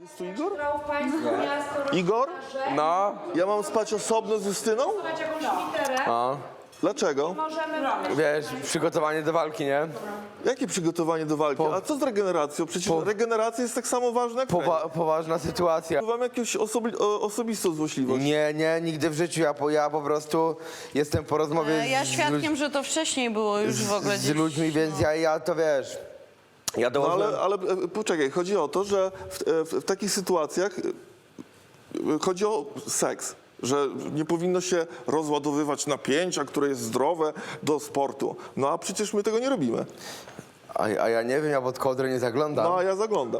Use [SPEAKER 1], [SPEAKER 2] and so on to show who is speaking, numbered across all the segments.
[SPEAKER 1] Jest tu Igor?
[SPEAKER 2] Miasto,
[SPEAKER 1] Igor?
[SPEAKER 3] No,
[SPEAKER 1] Ja mam spać osobno z Justyną?
[SPEAKER 2] jakąś literę.
[SPEAKER 3] no.
[SPEAKER 1] Dlaczego?
[SPEAKER 2] Możemy
[SPEAKER 3] Wiesz, przygotowanie do walki, nie?
[SPEAKER 1] Jakie przygotowanie do walki? A co z regeneracją? Przecież regeneracja jest tak samo ważna jak trening.
[SPEAKER 3] Poważna sytuacja.
[SPEAKER 1] Mam jakąś osobistą złośliwość.
[SPEAKER 3] Nie, nigdy w życiu. Ja po prostu jestem po rozmowie
[SPEAKER 4] Ja świadkiem, że to wcześniej było już w ogóle
[SPEAKER 3] z ludźmi, więc ja to wiesz. Ja
[SPEAKER 1] No
[SPEAKER 3] dołożyłem...
[SPEAKER 1] ale poczekaj, chodzi o to, że w takich sytuacjach chodzi o seks. Że nie powinno się rozładowywać napięcia, które jest zdrowe do sportu. No a przecież my tego nie robimy.
[SPEAKER 3] A ja nie wiem, ja pod kołdrę nie zaglądam.
[SPEAKER 1] No a ja zaglądam.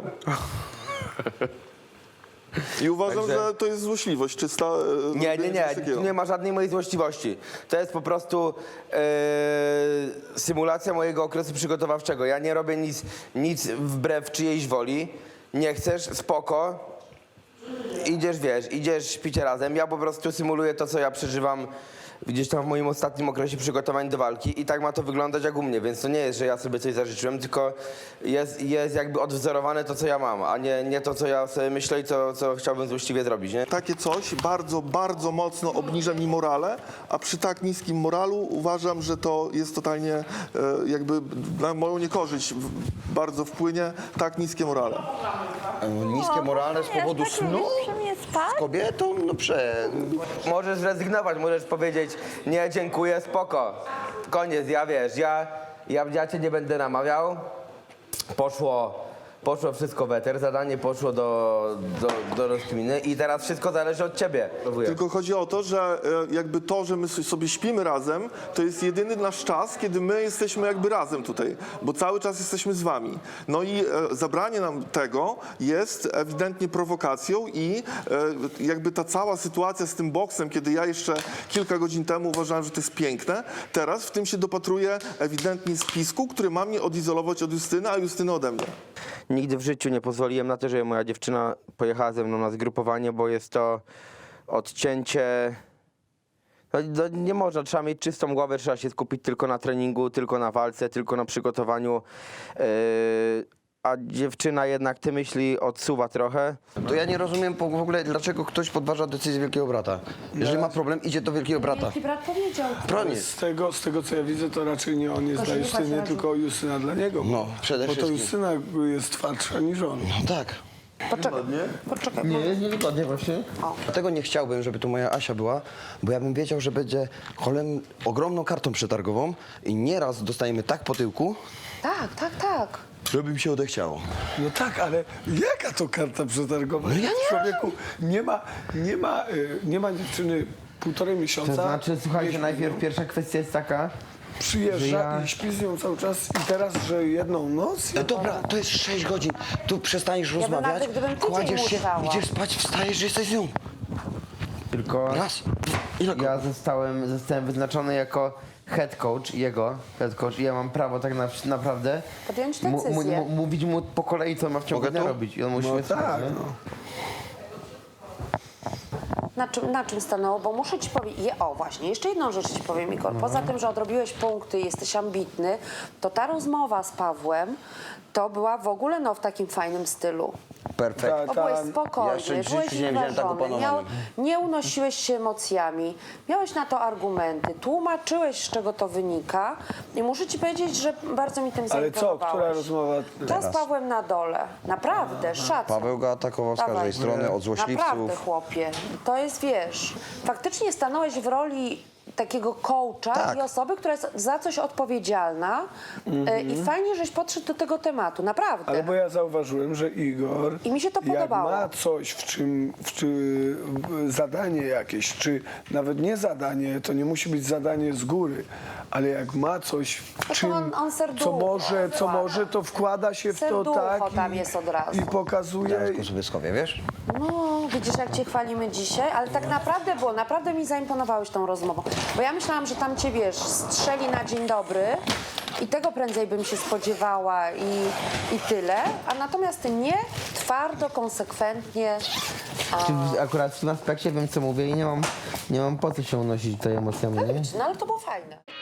[SPEAKER 1] I uważam,
[SPEAKER 3] Także-
[SPEAKER 1] że to jest złośliwość czysta.
[SPEAKER 3] Nie,
[SPEAKER 1] robienie czegoś takiego.
[SPEAKER 3] tu nie ma żadnej mojej złośliwości. To jest po prostu symulacja mojego okresu przygotowawczego. Ja nie robię nic wbrew czyjejś woli. Nie chcesz, spoko. Idziesz, śpicie razem. Ja po prostu symuluję to, co ja przeżywam gdzieś tam w moim ostatnim okresie przygotowań do walki i tak ma to wyglądać jak u mnie, więc to nie jest, że ja sobie coś zażyczyłem, tylko jest jakby odwzorowane to, co ja mam, a nie to, co ja sobie myślę i co chciałbym złośliwie zrobić, nie?
[SPEAKER 1] Takie coś bardzo, bardzo mocno obniża mi morale, a przy tak niskim moralu uważam, że to jest totalnie jakby na moją niekorzyść bardzo wpłynie tak niskie morale.
[SPEAKER 5] Niskie morale z powodu snu z kobietą? No
[SPEAKER 3] Możesz zrezygnować, możesz powiedzieć, nie, dziękuję, spoko. Koniec, ja cię nie będę namawiał. Poszło wszystko w eter, zadanie poszło do rozkminy i teraz wszystko zależy od ciebie.
[SPEAKER 1] Tylko chodzi o to, że jakby to, że my sobie śpimy razem, to jest jedyny nasz czas, kiedy my jesteśmy jakby razem tutaj, bo cały czas jesteśmy z wami. No i zabranie nam tego jest ewidentnie prowokacją i jakby ta cała sytuacja z tym boksem, kiedy ja jeszcze kilka godzin temu uważałem, że to jest piękne, teraz w tym się dopatruję ewidentnie spisku, który ma mnie odizolować od Justyny, a Justyny ode mnie.
[SPEAKER 3] Nigdy w życiu nie pozwoliłem na to, żeby moja dziewczyna pojechała ze mną na zgrupowanie, bo jest to odcięcie. No, nie można, trzeba mieć czystą głowę, trzeba się skupić tylko na treningu, tylko na walce, tylko na przygotowaniu. A dziewczyna jednak te myśli odsuwa trochę.
[SPEAKER 5] To ja nie rozumiem w ogóle, dlaczego ktoś podważa decyzję Wielkiego Brata. Jeżeli ma problem, idzie do Wielkiego Brata.
[SPEAKER 2] Wielki brat powiedział.
[SPEAKER 5] Broniec.
[SPEAKER 6] Z tego co ja widzę, to raczej nie on jest dla Justyny, tylko Justyna dla niego.
[SPEAKER 5] No, przede
[SPEAKER 6] Bo to
[SPEAKER 5] wszystkim.
[SPEAKER 6] Justyna jest twardsza niż on.
[SPEAKER 5] No tak.
[SPEAKER 2] Poczekaj.
[SPEAKER 3] Nie, jest niewygodnie właśnie.
[SPEAKER 5] Dlatego nie chciałbym, żeby tu moja Asia była, bo ja bym wiedział, że będzie ogromną kartą przetargową i nieraz dostajemy tak po tyłku,
[SPEAKER 2] Tak.
[SPEAKER 5] żeby mi się odechciało.
[SPEAKER 6] No tak, ale jaka to karta przetargowa?
[SPEAKER 5] No ja nie
[SPEAKER 6] Człowieku, nie ma dziewczyny półtorej miesiąca.
[SPEAKER 3] To znaczy, słuchajcie,
[SPEAKER 6] Jeśli
[SPEAKER 3] najpierw pierwsza kwestia jest taka,
[SPEAKER 6] przyjeżdża
[SPEAKER 3] że ja-
[SPEAKER 6] i śpi z nią cały czas i teraz, że jedną noc?
[SPEAKER 5] No dobra, to jest 6 godzin. Tu przestaniesz
[SPEAKER 2] bym
[SPEAKER 5] rozmawiać,
[SPEAKER 2] nawet, gdybym tydzień
[SPEAKER 5] kładziesz się,
[SPEAKER 2] musiała.
[SPEAKER 5] idziesz spać, wstajesz, że jesteś z nią.
[SPEAKER 3] tylko
[SPEAKER 5] Raz. Ile
[SPEAKER 3] ja zostałem wyznaczony jako head coach i ja mam prawo tak naprawdę
[SPEAKER 2] Podjąć decyzję.
[SPEAKER 3] mówić mu po kolei, co ma w ciągu
[SPEAKER 5] Mogę
[SPEAKER 3] dnia
[SPEAKER 5] tu?
[SPEAKER 3] robić. I on musi
[SPEAKER 6] No
[SPEAKER 3] mnie słuchać,
[SPEAKER 6] tak,
[SPEAKER 3] nie?
[SPEAKER 6] no.
[SPEAKER 2] Na czym stanęło? Bo muszę ci powiedzieć, właśnie, jeszcze jedną rzecz ci powiem, Igor. Poza tym, że odrobiłeś punkty, jesteś ambitny, to ta rozmowa z Pawłem to była w ogóle w takim fajnym stylu.
[SPEAKER 5] Perfekt.
[SPEAKER 2] Bo byłeś
[SPEAKER 6] Tam-
[SPEAKER 2] spokojny,
[SPEAKER 5] Ja jeszcze w
[SPEAKER 2] byłeś
[SPEAKER 5] życiu nie widziałem tak
[SPEAKER 2] uważony,
[SPEAKER 5] opanowanym.
[SPEAKER 2] nie unosiłeś się emocjami, miałeś na to argumenty, tłumaczyłeś, z czego to wynika i muszę ci powiedzieć, że bardzo mi tym
[SPEAKER 6] Ale co,
[SPEAKER 2] zaimponowałeś.
[SPEAKER 6] która rozmowa?
[SPEAKER 2] Ta z Pawłem na dole. Naprawdę, szacun.
[SPEAKER 5] Paweł go atakował z
[SPEAKER 2] Dawaj.
[SPEAKER 5] każdej strony, od złośliwców.
[SPEAKER 2] Naprawdę, chłopie. To jest, wiesz, faktycznie stanąłeś w roli takiego coacha
[SPEAKER 5] Tak.
[SPEAKER 2] i osoby, która jest za coś odpowiedzialna i fajnie, żeś podszedł do tego tematu, naprawdę.
[SPEAKER 6] Ale bo ja zauważyłem, że Igor,
[SPEAKER 2] I mi się to podobało.
[SPEAKER 6] jak ma coś, zadanie jakieś, czy nawet nie zadanie, to nie musi być zadanie z góry, ale jak ma coś, w
[SPEAKER 2] to
[SPEAKER 6] czym,
[SPEAKER 2] on serducho
[SPEAKER 6] co może, to wkłada się w to
[SPEAKER 2] Serducho
[SPEAKER 6] tak
[SPEAKER 2] tam jest od razu.
[SPEAKER 6] i pokazuje.
[SPEAKER 5] Kusowieckowie, wiesz?
[SPEAKER 2] No, widzisz, jak cię chwalimy dzisiaj, ale tak naprawdę było, naprawdę mi zaimponowałeś tą rozmową. Bo ja myślałam, że tam cię, wiesz, strzeli na dzień dobry i tego prędzej bym się spodziewała i tyle, a natomiast ty nie, twardo, konsekwentnie.
[SPEAKER 3] Akurat w tym aspekcie wiem, co mówię i nie mam po co się unosić tutaj emocjami, nie?
[SPEAKER 2] No ale to było fajne.